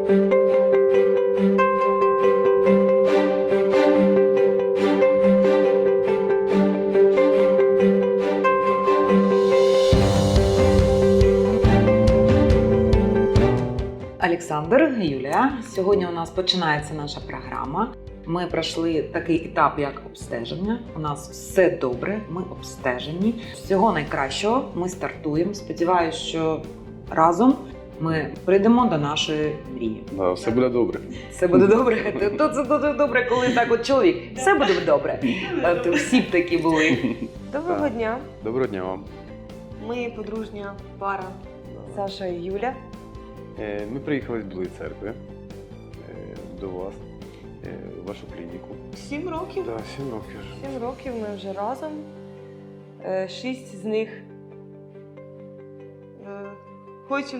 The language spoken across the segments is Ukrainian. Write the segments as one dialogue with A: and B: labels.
A: Олександр, Юлія, сьогодні у нас починається наша програма. Ми пройшли такий етап, як обстеження. У нас все добре, ми обстежені. Всього найкращого, ми стартуємо. Сподіваюсь, що разом ми прийдемо до нашої мрії.
B: Да, все буде добре.
A: Все буде добре. То це дуже добре, коли так от чоловік. Все буде добре. То всі б такі були.
C: Доброго дня.
B: Доброго дня вам.
C: Ми подружня пара Саша і Юля.
B: Ми приїхали з Білої церкви до вас, в вашу клініку.
C: 7 років.
B: Так, 7 років.
C: 7 років ми вже разом. 6 з них хочемо.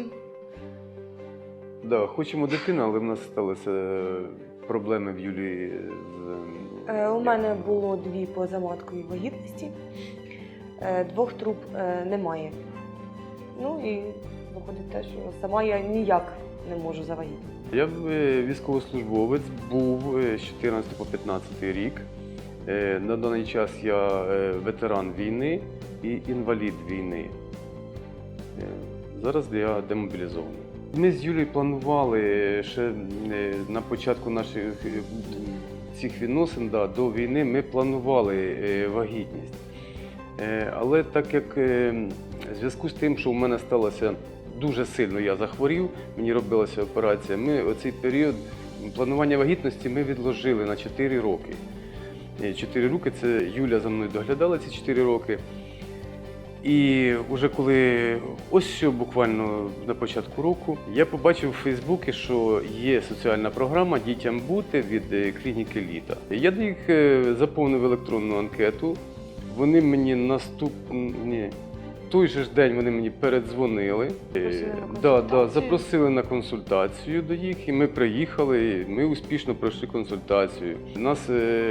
B: Да, хочемо дитину, але в нас сталися проблеми в Юлії з...
C: У мене було 2 позаматкові вагітності. 2 труб немає. Ну і виходить те, що сама я ніяк не можу завагітніти.
B: Я військовослужбовець, був з 14 по 15 рік. На даний час я ветеран війни і інвалід війни. Зараз я демобілізований. Ми з Юлією планували ще на початку наших цих відносин, до війни, ми планували вагітність. Але так як в зв'язку з тим, що в мене сталося дуже сильно, я захворів, мені робилася операція, ми оцей період планування вагітності ми відложили на 4 роки. 4 роки, це Юля за мною доглядала ці 4 роки. І вже коли, ось що буквально на початку року, я побачив у Фейсбуці, що є соціальна програма «Дітям бути» від клініки «Літа». Я їх заповнив електронну анкету, вони мені той же ж день вони мені передзвонили, запросили на консультацію до їх, і ми приїхали, ми успішно пройшли консультацію. Нас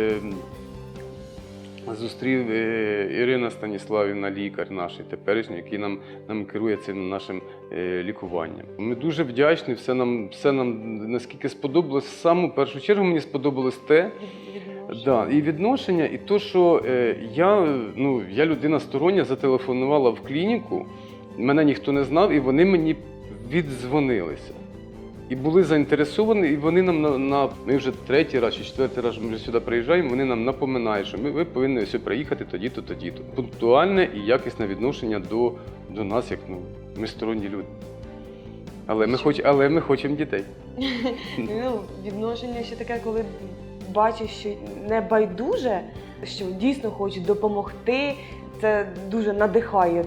B: зустрів Ірина Станіславівна, лікар наш теперішній, який нам керує цим нашим лікуванням. Ми дуже вдячні, все нам наскільки сподобалось. В саму першу чергу мені сподобалось те, і відношення, і те, що я людина стороння, зателефонувала в клініку, мене ніхто не знав, і вони мені віддзвонилися. І були заінтересовані, і вони нам ми вже 3-й раз чи 4-й раз ми вже сюди приїжджаємо, вони нам напоминають, що ви повинні ось приїхати тоді-то, тоді-то. Пунктуальне і якісне відношення до нас, як ми сторонні люди. Але ми хочемо дітей.
C: Відношення ще таке, коли бачиш, що не байдуже, що дійсно хочуть допомогти, це дуже надихає.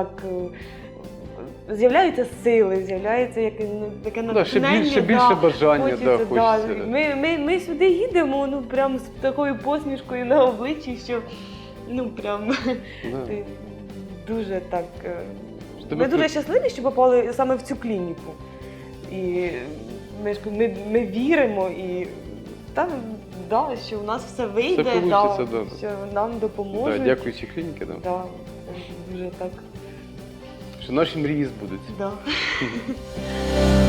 C: З'являються сили, з'являється таке натхнення.
B: Ще більше бажання хочеться.
C: Ми сюди їдемо прямо з такою посмішкою на обличчі, що дуже так... Ми дуже щасливі, що попали саме в цю клініку. І ми віримо, і що в нас все вийде, що нам допоможуть.
B: Дякуючи клініки.
C: Дуже так.
B: Що наші мрії збудуться.